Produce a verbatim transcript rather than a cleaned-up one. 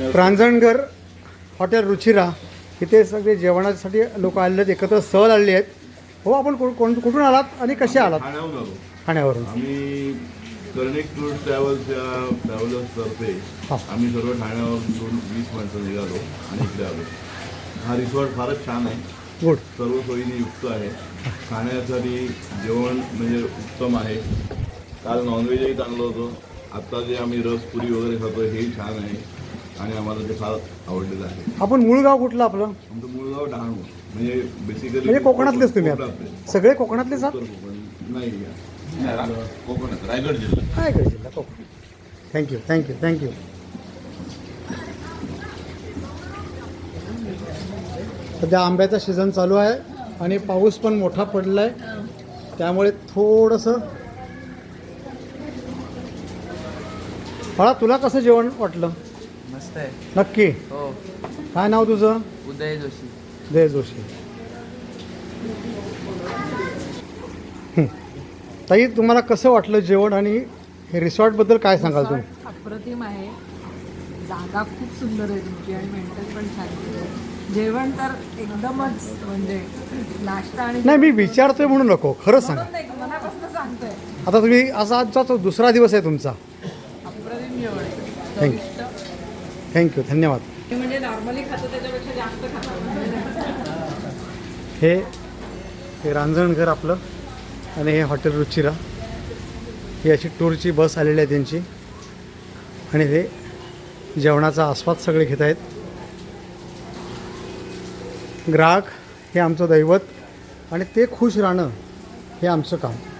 रांजणघर hotel Ruchira इथे सगळे जेवणासाठी लोक आलेले आहेत, एकत्र सहल आलेली आहेत. हो, आपण कु- कोण कुठून आलात आणि कसे आलात? ठाण्याहून आलो ठाण्यावरून. आम्ही. कर्णिक टूर ट्रॅव्हल्सच्या ट्रॅव्हलर्सतर्फे हा. आम्ही सर्व ठाण्यावरून वीस माणसं निघालो आणि इकडे आलो. हा रिसॉर्ट फारच छान आहे, गुड. सर्व सोयीने युक्त आहे. खाण्यासाठी जेवण म्हणजे उत्तम आहे. काल नॉनव्हेजही चांगलं होतं. आत्ता जे आम्ही रसपुरी वगैरे खातो हेही छान आहे आणि आम्हाला ते फार आवडलेलं आहे. आपण मूळ गाव कुठलं आपलं? आमचं मूळ गाव डहाणू, म्हणजे बेसिकली म्हणजे कोकणातलेच तुम्ही आता? कोकणातले. सगळे कोकणातलेच आहात? उत्तर कोकण नाही, कोकणात रायगड जिल्हा. रायगड जिल्हा, कोकण. Thank you thank you thank you. सध्या आंब्याचा सीझन चालू आहे आणि पाऊस पण मोठा पडला आहे, त्यामुळे थोडंसं. फळा, तुला कसं जेवण वाटलं? मस्त आहे. नक्की. हो. काय नाव तुझं? उदय जोशी. जय जोशी. हं. ताई, तुम्हाला कसं वाटलं जेवण आणि हे रिसॉर्टबद्दल काय सांगाल तुम्ही? रिसॉर्ट अप्रतिम आहे. जागा खूप सुंदर आहे तुमची आणि मेंटेन पण छान आहे. जेवण तर एकदमच म्हणजे नाश्ता आणि नाही, मी विचारतोय म्हणून नको, खरं सांगा. म्हणून नाही, मनापासून सांगतोय. आता तुम्ही असा आजचा तो दुसरा दिवस आहे तुमचा. अप्रतिम जेवण आहे. थँक्यू चविष्ट. थँक्यू धन्यवाद. ते म्हणजे नॉर्मली खातो त्याच्यापेक्षा जास्त खातो. हे हे रांजणघर आपलं आणि हे हॉटेल रुचिरा, ही अशी टूरची बस आलेली आहे त्यांची आणि हे जेवणाचा आस्वाद सगळे घेत आहेत. ग्राहक हे आमचं दैवत आणि ते खुश राहणं हे आमचं काम.